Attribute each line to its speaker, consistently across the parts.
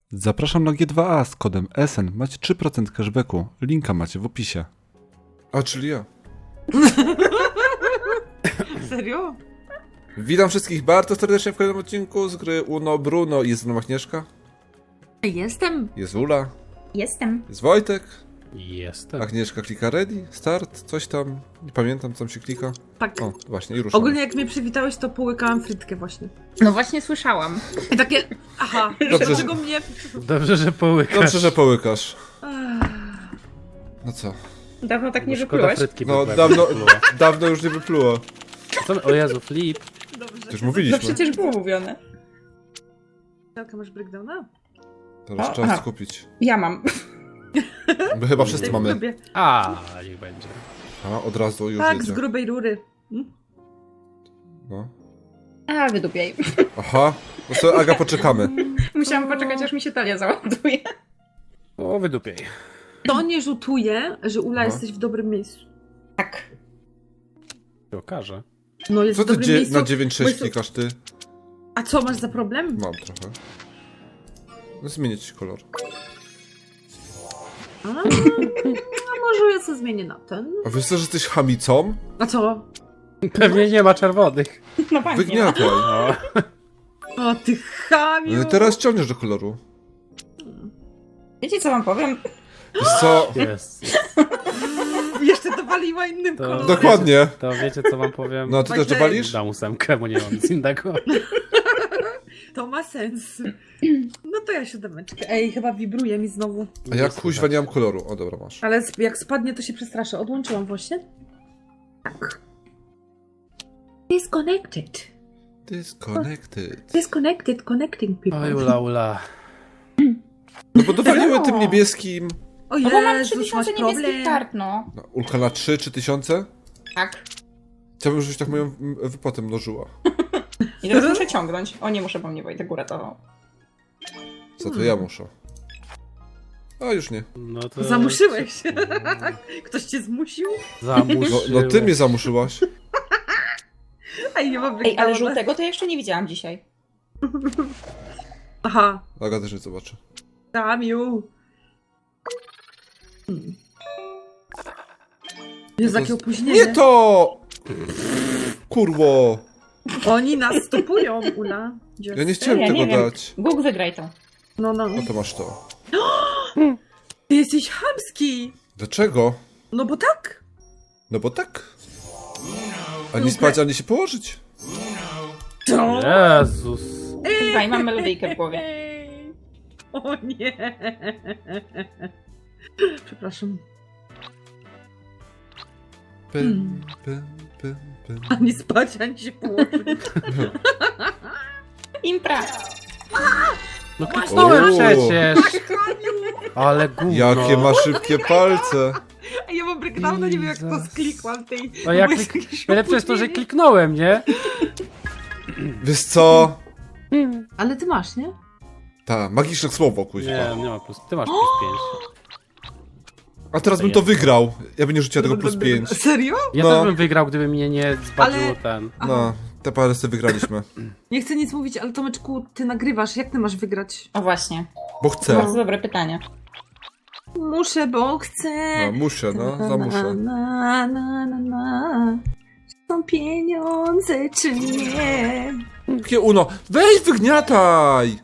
Speaker 1: Zapraszam na G2A z kodem SN. Macie 3% cashbacku. Linka macie w opisie. A, czyli ja.
Speaker 2: Serio?
Speaker 1: Witam wszystkich bardzo serdecznie w kolejnym odcinku z gry Uno Bruno. Jest z nami Agnieszka.
Speaker 2: Jestem.
Speaker 1: Jest Ula.
Speaker 3: Jestem.
Speaker 1: Jest Wojtek.
Speaker 4: Jestem.
Speaker 1: Agnieszka klika ready, start, coś tam. Nie pamiętam, co tam się klika.
Speaker 2: Tak.
Speaker 1: O, właśnie, i ruszamy.
Speaker 2: Ogólnie jak mnie przywitałeś, to połykałam frytkę właśnie.
Speaker 3: No właśnie słyszałam.
Speaker 2: I takie, aha,
Speaker 1: Dobrze,
Speaker 2: dlaczego mnie...
Speaker 4: Dobrze, że połykasz.
Speaker 1: Dobrze, że połykasz. No co?
Speaker 3: Dawno tak
Speaker 4: Bo
Speaker 3: nie
Speaker 4: szkoda
Speaker 3: wyplułeś.
Speaker 4: frytki
Speaker 1: No,
Speaker 4: by
Speaker 1: dawno,
Speaker 4: wypluła.
Speaker 1: dawno już nie wypluło.
Speaker 4: Co my... O Jezu, Flip.
Speaker 2: Dobrze.
Speaker 1: Już
Speaker 3: No
Speaker 1: mówiliśmy.
Speaker 3: przecież było mówione.
Speaker 2: Jaka masz breakdowna?
Speaker 1: Teraz
Speaker 3: O,
Speaker 1: trzeba
Speaker 3: aha.
Speaker 1: skupić.
Speaker 3: Ja mam.
Speaker 1: My chyba wszyscy mamy.
Speaker 2: Lubię.
Speaker 4: A, niech będzie.
Speaker 1: A, od razu już
Speaker 2: Tak, z
Speaker 1: jedzie.
Speaker 2: grubej rury.
Speaker 1: No.
Speaker 3: A, wydupiej.
Speaker 1: Aha, no to Aga, poczekamy.
Speaker 3: Musiałam poczekać, aż mi się talia załaduje.
Speaker 4: O, wydupiej.
Speaker 2: To nie rzutuje, że Ula
Speaker 1: No.
Speaker 2: jesteś w dobrym miejscu.
Speaker 3: Tak.
Speaker 4: Się okaże.
Speaker 2: No jest
Speaker 1: Co
Speaker 2: w
Speaker 1: ty
Speaker 2: dobrym miejscu.
Speaker 1: na
Speaker 2: bo
Speaker 1: 9.6
Speaker 2: jest-
Speaker 1: klikasz ty?
Speaker 2: A co, masz za problem?
Speaker 1: Mam trochę. No zmienię ci kolor.
Speaker 2: A może ja sobie zmienię na ten.
Speaker 1: A wiesz co, że jesteś chamicą?
Speaker 2: A co?
Speaker 4: Pewnie nie ma czerwonych.
Speaker 3: No fajnie.
Speaker 1: Wygniataj.
Speaker 4: O,
Speaker 2: O, ty chamiu!
Speaker 1: No i teraz ciągniesz do koloru.
Speaker 3: Wiecie co wam powiem?
Speaker 1: Wiesz co?
Speaker 4: jest.
Speaker 2: Jeszcze dowaliła innym
Speaker 4: To-
Speaker 2: kolorem.
Speaker 1: Dokładnie.
Speaker 4: To wiecie, co wam powiem?
Speaker 1: No, a ty też
Speaker 2: Wojtek.
Speaker 1: dowalisz?
Speaker 4: Dam ósemkę, bo nie mam nic innego.
Speaker 2: To ma sens. No to ja siódemeczkę. Ej, chyba wibruje mi znowu.
Speaker 1: A ja kuźwa nie mam koloru. O, dobra, masz.
Speaker 2: Ale jak spadnie, to się przestraszę. Odłączyłam właśnie. Tak. Disconnected.
Speaker 1: Disconnected.
Speaker 2: Disconnected, connecting people.
Speaker 4: Oj, Ula.
Speaker 1: No bo dowaliłem
Speaker 3: No.
Speaker 1: tym niebieskim.
Speaker 2: O
Speaker 3: No bo mam
Speaker 2: Jezus,
Speaker 3: 3000
Speaker 2: masz
Speaker 3: niebieskich
Speaker 2: problem.
Speaker 3: kart, no.
Speaker 1: No, Ulka na 3 tysiące?
Speaker 3: Tak.
Speaker 1: Chciałbym, żebyś tak moją wypłatę mnożyła.
Speaker 3: I teraz muszę ciągnąć. O, nie muszę, bo mnie Wojtek uratował.
Speaker 1: Za to ja muszę. A już nie.
Speaker 4: No to...
Speaker 2: Zamuszyłeś. Ktoś cię zmusił?
Speaker 4: Zamuszyłeś.
Speaker 1: No ty mnie zamuszyłaś.
Speaker 2: Ej, nie mam
Speaker 3: Ej, ale
Speaker 2: breakdowna.
Speaker 3: żółtego to ja jeszcze nie widziałam dzisiaj.
Speaker 2: Aha.
Speaker 1: Aga też nie zobaczy.
Speaker 2: Tamiu. Jest
Speaker 1: To
Speaker 2: jakie
Speaker 1: jest-
Speaker 2: opóźnienie.
Speaker 1: Nie to! Kurwo!
Speaker 2: Oni nas stopują, Ula. Gdzie?
Speaker 1: Ja nie chciałem
Speaker 3: Ja
Speaker 1: tego
Speaker 3: nie wiem.
Speaker 1: dać.
Speaker 3: Bóg, wygraj to.
Speaker 2: No.
Speaker 1: No to masz to.
Speaker 2: Ty jesteś chamski.
Speaker 1: Dlaczego?
Speaker 2: No bo tak.
Speaker 1: No bo tak. Ani spać, ani się położyć.
Speaker 2: Co?
Speaker 4: Jezus.
Speaker 3: Kurwa, i mam melodyjkę w głowie.
Speaker 2: Ej. O nie. Przepraszam.
Speaker 1: Pym, pym, pym, pym.
Speaker 2: Ani spać, ani się położyć.
Speaker 3: Impra.
Speaker 4: No kliknąłem
Speaker 1: O.
Speaker 4: przecież. Ale gówno.
Speaker 1: Jakie ma szybkie palce.
Speaker 2: A ja mam breakdowna, nie wiem jak to
Speaker 4: Jesus.
Speaker 2: sklikłam tej...
Speaker 4: No ja
Speaker 2: bo jest
Speaker 4: klik...
Speaker 2: jakieś
Speaker 4: Najlepsze jest to, że
Speaker 2: opóźnienie.
Speaker 4: kliknąłem, nie?
Speaker 1: Wiesz co?
Speaker 2: Ale ty masz, nie?
Speaker 1: Ta, magiczne słowo, kuźwa.
Speaker 4: Nie ma plus. Ty masz plus 5.
Speaker 1: A teraz bym to wygrał. Ja bym nie rzuciła tego plus 5.
Speaker 2: Serio?
Speaker 4: Ja
Speaker 1: No.
Speaker 4: też bym wygrał, gdyby mnie nie zbaczyło
Speaker 2: Ale-
Speaker 4: ten.
Speaker 1: No, te parę sobie wygraliśmy.
Speaker 2: Nie chcę nic mówić, ale Tomeczku, ty nagrywasz. Jak ty masz wygrać?
Speaker 3: O właśnie.
Speaker 1: Bo
Speaker 3: To
Speaker 1: chcę.
Speaker 3: bardzo dobre pytanie.
Speaker 2: Muszę, bo chcę.
Speaker 1: No, muszę, no, zamuszę.
Speaker 2: Na. Są pieniądze, czy nie?
Speaker 1: Jakie Uno, weź wygniataj!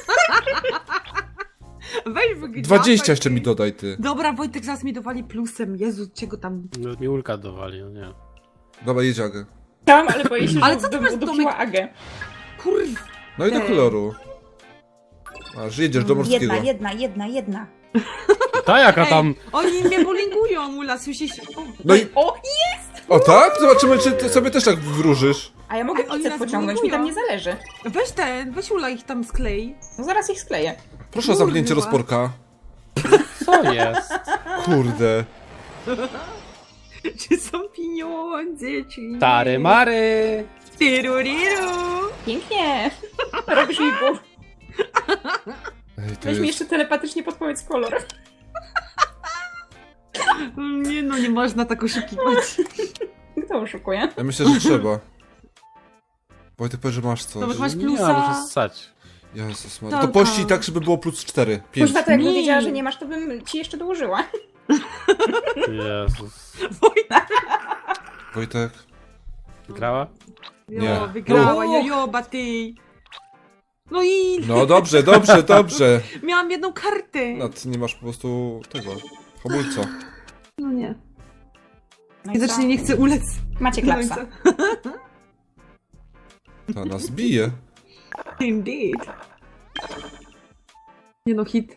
Speaker 2: Weź wygniataj.
Speaker 1: 20 jeszcze mi dodaj, ty.
Speaker 2: Dobra, Wojtek zaraz mi dowali plusem. Jezu, czego tam...
Speaker 4: No, mi Ulka dowali, no nie.
Speaker 1: Dobra, jedź Agę.
Speaker 3: Chciałam, ale boję się,
Speaker 2: Ale
Speaker 3: że
Speaker 2: co ty
Speaker 3: bym
Speaker 2: masz,
Speaker 3: udupiła
Speaker 2: Tomek?
Speaker 3: Agę.
Speaker 2: Kurwa.
Speaker 1: No i do
Speaker 2: Ej.
Speaker 1: koloru. Aż jedziesz do morskiego.
Speaker 3: Jedna.
Speaker 4: Ta jaka
Speaker 2: Ej,
Speaker 4: tam...
Speaker 2: oni mnie bullyingują, Ula, słyszysz? O,
Speaker 1: No i...
Speaker 3: O,
Speaker 1: O tak? Zobaczymy, czy ty sobie też tak wróżysz.
Speaker 3: a ja mogę
Speaker 2: Ej, oni
Speaker 3: pizzę
Speaker 2: nas
Speaker 3: pociągnąć, mi tam nie zależy.
Speaker 2: weź Ula ich tam sklej.
Speaker 3: No zaraz ich skleję.
Speaker 1: Proszę o zamknięcie
Speaker 2: Kurwa.
Speaker 1: rozporka.
Speaker 4: Co jest?
Speaker 1: Kurde.
Speaker 2: Czy są pieniądze, czy nie?
Speaker 4: Tary mary!
Speaker 2: Tiruriru.
Speaker 3: Pięknie. Robisz mi głów.
Speaker 1: Ej, to
Speaker 3: Weź mi
Speaker 1: jest...
Speaker 3: jeszcze telepatycznie podpowiedz kolor.
Speaker 2: Nie no, nie można tak oszukiwać.
Speaker 3: Kto oszukuje?
Speaker 1: Ja myślę, że trzeba. Wojtek powie, że masz coś.
Speaker 2: Dobra, masz
Speaker 4: Nie,
Speaker 2: plusa.
Speaker 4: muszę ssać.
Speaker 1: Jezus Maria. To pościg tak, żeby było plus 4. 5.
Speaker 3: Kuźwa, to jakbym
Speaker 2: Mi.
Speaker 3: wiedziała, że nie masz, to bym ci jeszcze dołożyła.
Speaker 4: Jezus.
Speaker 1: Wojtek.
Speaker 4: Grała?
Speaker 1: Nie.
Speaker 2: Jo, wygrała,
Speaker 3: No.
Speaker 2: jojoba ty. No i
Speaker 1: No dobrze, dobrze, dobrze.
Speaker 2: miałam jedną kartę.
Speaker 1: No, ty nie masz po prostu tego. Hamulca.
Speaker 2: No nie.
Speaker 3: No i
Speaker 2: Widocznie
Speaker 3: co?
Speaker 2: nie chcę ulec.
Speaker 3: Macie
Speaker 2: No i
Speaker 3: klapsa.
Speaker 1: Ta nas bije.
Speaker 2: Indeed. Nie no, hit.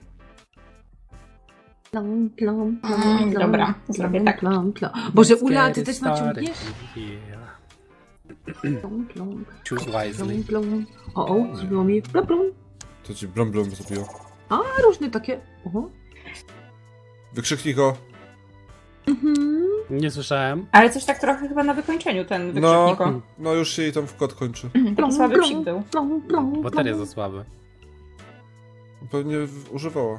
Speaker 2: Plom, plom, plom, plom,
Speaker 3: Dobra,
Speaker 2: plom,
Speaker 3: zrobię tak.
Speaker 2: plom, plom. Boże, Ula, ty
Speaker 4: Scary
Speaker 2: też
Speaker 4: stary.
Speaker 2: naciągniesz?
Speaker 4: Yeah.
Speaker 2: Plom, plom,
Speaker 4: Choose wisely.
Speaker 2: plom, plom. O, zrobiło mi plom, plom.
Speaker 1: To ci blom zrobiło.
Speaker 2: A, różne takie. Oho.
Speaker 1: Wykrzyknij go.
Speaker 2: Mhm.
Speaker 4: Nie słyszałem.
Speaker 3: Ale coś tak trochę chyba na wykończeniu ten
Speaker 1: No,
Speaker 3: wykrzykniko.
Speaker 1: no już się jej tam wkład kończy.
Speaker 3: Taki słaby psik był.
Speaker 2: Plom, plom,
Speaker 4: Baterie
Speaker 2: plom.
Speaker 4: za słabe.
Speaker 1: Pewnie używała.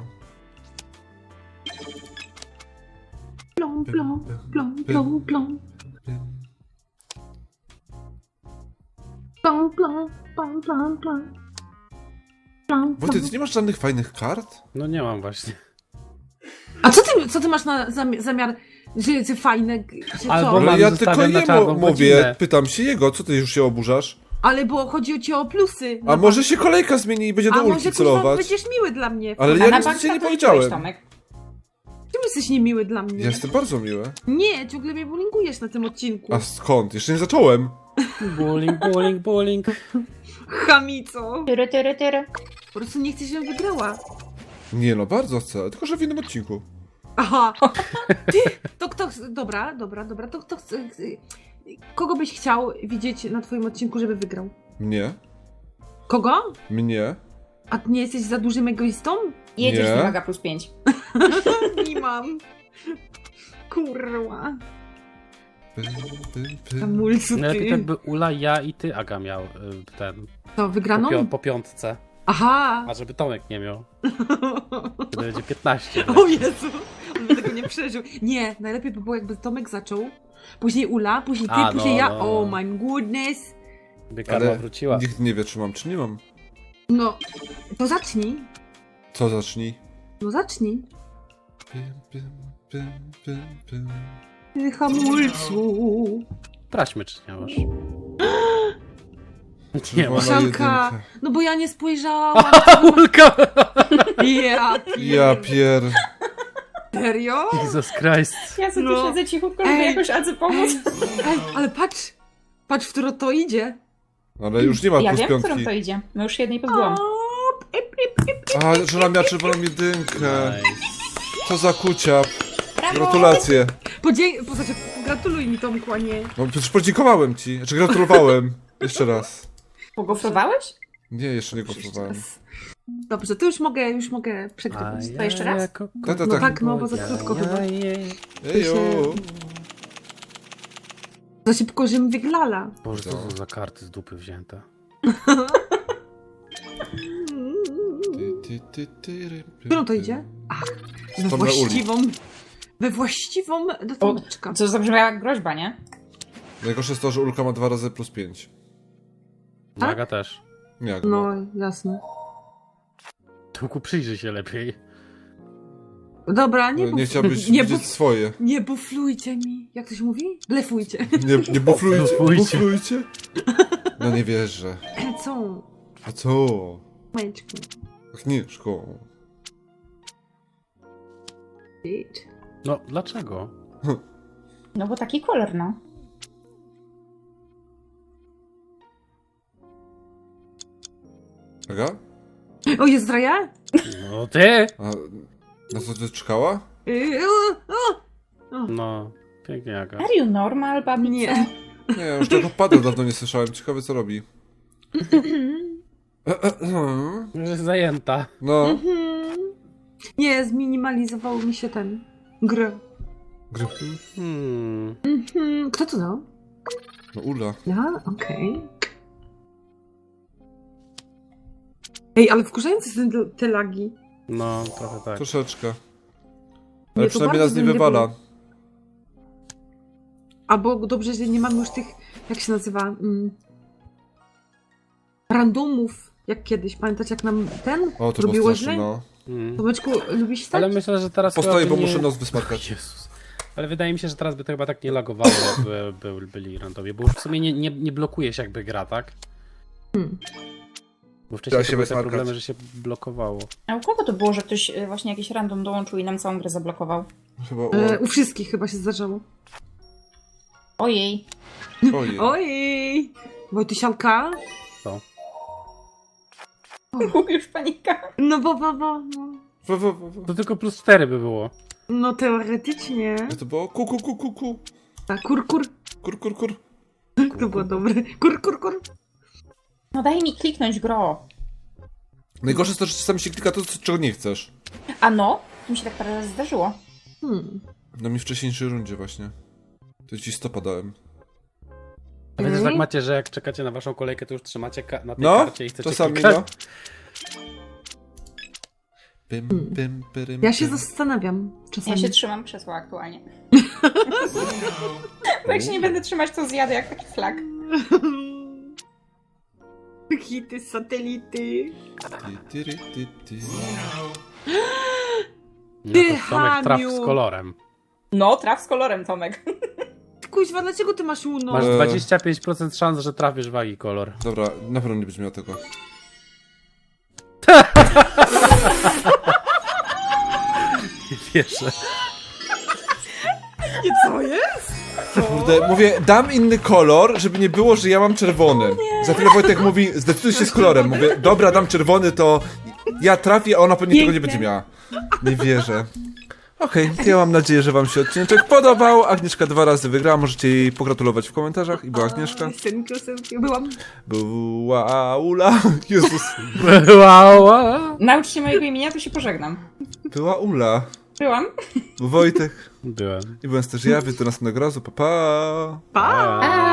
Speaker 2: Plom, plom, plom, plom, plom. Plom, plom, plom, plom, plom. Plom,
Speaker 1: Wojtek,
Speaker 2: plom.
Speaker 1: ty nie masz żadnych fajnych kart?
Speaker 4: No nie mam właśnie.
Speaker 2: A co ty masz na zamiar, że fajne, że
Speaker 4: Albo
Speaker 2: co?
Speaker 4: mam-
Speaker 1: Ale ja tylko
Speaker 4: zostawiam na
Speaker 1: jemu
Speaker 4: czarną
Speaker 1: mówię,
Speaker 4: godzinę.
Speaker 1: pytam się jego, co ty już się oburzasz?
Speaker 2: Ale bo chodzi o cię o plusy.
Speaker 1: A może się kolejka zmieni i będzie do
Speaker 2: A może
Speaker 1: ulki
Speaker 2: kurwa
Speaker 1: celować?
Speaker 2: będziesz miły dla mnie.
Speaker 1: Ale
Speaker 3: A
Speaker 1: ja
Speaker 3: na
Speaker 1: nic
Speaker 3: bank
Speaker 1: ci nie
Speaker 3: to
Speaker 1: powiedziałem.
Speaker 3: byłeś, Tomek.
Speaker 2: Czemu jesteś niemiły dla mnie?
Speaker 1: Ja jestem bardzo miły.
Speaker 2: Nie, ciągle mnie bullyingujesz na tym odcinku.
Speaker 1: A skąd? Jeszcze nie zacząłem.
Speaker 4: Bullying, bullying, bullying.
Speaker 2: Chamico.
Speaker 3: Tyry, tyry, tyry.
Speaker 2: Po prostu nie chcesz, żebym wygrała.
Speaker 1: Nie no, bardzo chcę, tylko że w innym odcinku.
Speaker 2: Aha. Ty, to kto... Dobra, to kto chce... Kogo byś chciał widzieć na twoim odcinku, żeby wygrał?
Speaker 1: Mnie?
Speaker 2: Kogo?
Speaker 1: Mnie?
Speaker 2: A nie jesteś za dużym egoistą?
Speaker 3: Jedziesz
Speaker 1: Nie.
Speaker 3: do Maga plus 5.
Speaker 2: Nie mam. Kurwa.
Speaker 1: Pym, pym, pym.
Speaker 2: Hamulcu,
Speaker 4: Najlepiej
Speaker 2: ty.
Speaker 4: tak by Ula, ja i ty, Aga, miał ten.
Speaker 2: To wygraną?
Speaker 4: Po piątce.
Speaker 2: Aha.
Speaker 4: A żeby Tomek nie miał. Wtedy będzie 15.
Speaker 2: O Jezu, on by tego nie przeżył. Nie, najlepiej by było jakby Tomek zaczął, później Ula, później ty,
Speaker 4: A, no,
Speaker 2: później ja.
Speaker 4: no.
Speaker 2: Oh my goodness.
Speaker 4: By karma
Speaker 1: Ale
Speaker 4: wróciła.
Speaker 1: nikt nie wie, czy mam, czy nie mam.
Speaker 2: No, to zacznij.
Speaker 1: Co zacznij?
Speaker 2: No zacznij.
Speaker 1: Pym, pym, pym, pym, pym.
Speaker 2: Ty hamulcu.
Speaker 4: Sprawdźmy, czy nie masz.
Speaker 1: Czerwona
Speaker 2: Sianka.
Speaker 1: jedynka.
Speaker 2: No bo ja nie spojrzałam.
Speaker 4: Ulka!
Speaker 2: Ja,
Speaker 1: Ja pier...
Speaker 2: serio?
Speaker 4: Jesus Christ.
Speaker 3: Ja sobie
Speaker 2: No.
Speaker 3: siedzę cichutko, żeby
Speaker 2: Ej.
Speaker 3: jakoś Adze pomóc.
Speaker 2: Ej, ale patrz. Patrz, w którą to idzie.
Speaker 1: Ale już nie ma
Speaker 3: Ja
Speaker 1: plus
Speaker 3: wiem, w którą
Speaker 1: piątki.
Speaker 3: to idzie. No już jednej pozbyłam.
Speaker 1: A, żona miała czerwoną jedynkę.
Speaker 4: Nice.
Speaker 1: Co za kuciap.
Speaker 3: Brawo!
Speaker 1: Gratulacje.
Speaker 2: Znaczy, gratuluj mi Tomku, a nie.
Speaker 1: No przecież podziękowałem ci. Znaczy gratulowałem. Jeszcze raz.
Speaker 3: Pogofrowałeś?
Speaker 1: Nie, jeszcze nie gratulowałem.
Speaker 2: Dobrze, to już mogę przegrywać.
Speaker 3: To jeszcze raz?
Speaker 1: Tak,
Speaker 2: No tak, no bo za krótko chyba.
Speaker 1: Ejo.
Speaker 2: Za szybko, żebym wyglala.
Speaker 4: Boże, co są za karty z dupy wzięte?
Speaker 2: Którą to idzie? Ach, we
Speaker 1: Tam na uli.
Speaker 2: właściwą do Tomeczka.
Speaker 3: Co zabrzmiała jak groźba, nie?
Speaker 1: Najgorsze jest to, że Ulka ma 2 razy plus 5.
Speaker 2: Tak?
Speaker 4: Aga też.
Speaker 1: Nie, jak
Speaker 2: No, jasne.
Speaker 4: Tomku, przyjrzyj się lepiej.
Speaker 2: Dobra,
Speaker 1: nie chciałbyś
Speaker 2: nie,
Speaker 1: widzieć swoje.
Speaker 2: nie buflujcie mi. Jak to się mówi? Blefujcie.
Speaker 1: Nie buflujcie.
Speaker 4: Buflujcie.
Speaker 1: Buflujcie. No nie wierzę.
Speaker 2: Co?
Speaker 1: A co?
Speaker 2: Majeczku.
Speaker 1: Agnieszko.
Speaker 2: Bitch.
Speaker 4: No, dlaczego?
Speaker 3: No bo taki kolor, no.
Speaker 1: Aga?
Speaker 2: O, jest Raja?
Speaker 4: No ty!
Speaker 1: A na co ty czekała?
Speaker 4: No, pięknie Aga.
Speaker 3: Are you normal, babico?
Speaker 2: Nie.
Speaker 1: Nie, już tego pada dawno nie słyszałem. Ciekawe co robi.
Speaker 4: Już jest zajęta.
Speaker 1: No.
Speaker 2: Mhm. Nie, zminimalizował mi się ten gry. Kto to dał?
Speaker 1: No Ula.
Speaker 2: Ja? Okej. Ej, ale wkurzające są te lagi.
Speaker 4: No, trochę tak.
Speaker 1: Troszeczkę.
Speaker 2: Nie,
Speaker 1: Ale
Speaker 2: to
Speaker 1: przynajmniej
Speaker 2: bardzo
Speaker 1: nas nie
Speaker 2: bym nie
Speaker 1: wywala.
Speaker 2: Albo dobrze, że nie mamy już tych, jak się nazywa, randomów. Jak kiedyś. Pamiętacie, jak nam ten
Speaker 1: O, to było
Speaker 2: robiło
Speaker 1: straszne,
Speaker 2: źle?
Speaker 1: no.
Speaker 2: Tomeczku, lubisz stać?
Speaker 4: Ale myślę, że teraz
Speaker 1: Postoję,
Speaker 4: chyba
Speaker 1: bo
Speaker 4: by
Speaker 1: muszę nos wysmarkać.
Speaker 4: Jezus. Ale wydaje mi się, że teraz by to chyba tak nie lagowało, jakby byli randowie, bo już w sumie nie blokuje się jakby gra, tak? Bo wcześniej
Speaker 1: Trzeba
Speaker 4: to
Speaker 1: się
Speaker 4: były te
Speaker 1: wysmarkać.
Speaker 4: problemy, że się blokowało.
Speaker 3: A u kogo to było, że ktoś właśnie jakiś random dołączył i nam całą grę zablokował?
Speaker 1: Chyba
Speaker 2: U wszystkich chyba się zdarzało.
Speaker 3: Ojej.
Speaker 1: Ojej.
Speaker 2: Ojej! Wojtysianka?
Speaker 4: Co?
Speaker 3: Już panika.
Speaker 2: No bo.
Speaker 4: To tylko +4 by było.
Speaker 2: No teoretycznie.
Speaker 1: To było ku.
Speaker 2: Tak, kur.
Speaker 1: Kur.
Speaker 2: To było dobre. Kur.
Speaker 3: No daj mi kliknąć gro.
Speaker 1: Najgorsze jest to, że czasami się klika to, czego nie chcesz.
Speaker 3: A no, to mi się tak parę razy zdarzyło.
Speaker 1: No mi w wcześniejszej rundzie właśnie. To ci stopa dałem.
Speaker 4: A wiecie, że tak macie, że jak czekacie na waszą kolejkę, to już trzymacie na tej
Speaker 1: No,
Speaker 4: karcie i chcecie
Speaker 1: czasami
Speaker 4: klikać?
Speaker 1: no. Pyrym.
Speaker 2: Ja się zastanawiam czasami.
Speaker 3: Ja się trzymam krzesła aktualnie. Bo jak się nie będę trzymać, to zjadę jak taki flag.
Speaker 2: Hity, satelity.
Speaker 4: No
Speaker 2: Ty,
Speaker 4: to Tomek traf
Speaker 2: Haniu.
Speaker 4: z kolorem.
Speaker 3: No, traf z kolorem, Tomek.
Speaker 2: Kuźwa, dlaczego ty masz uno?
Speaker 4: Masz 25% szans, że trafisz wagi kolor.
Speaker 1: Dobra, na pewno nie będziesz miał tego.
Speaker 4: Nie wierzę.
Speaker 2: I co jest?
Speaker 1: Kurde, mówię, dam inny kolor, żeby nie było, że ja mam czerwony. Za chwilę Wojtek mówi, zdecyduj się z kolorem. Mówię, dobra, dam czerwony, to ja trafię, a ona pewnie tego nie będzie miała. Nie wierzę. Okej, to ja mam nadzieję, że wam się odcinek podobał. Agnieszka 2 razy wygrała, możecie jej pogratulować w komentarzach. I była Agnieszka.
Speaker 2: Synku, byłam.
Speaker 1: Była Ula. Jezus.
Speaker 4: Wow.
Speaker 3: Naucz się mojego imienia, to się pożegnam.
Speaker 1: Była Ula.
Speaker 3: Byłam.
Speaker 1: Był Wojtek.
Speaker 4: Byłem.
Speaker 1: I byłem też ja, więc do następnego razu. Pa, pa.
Speaker 2: Pa!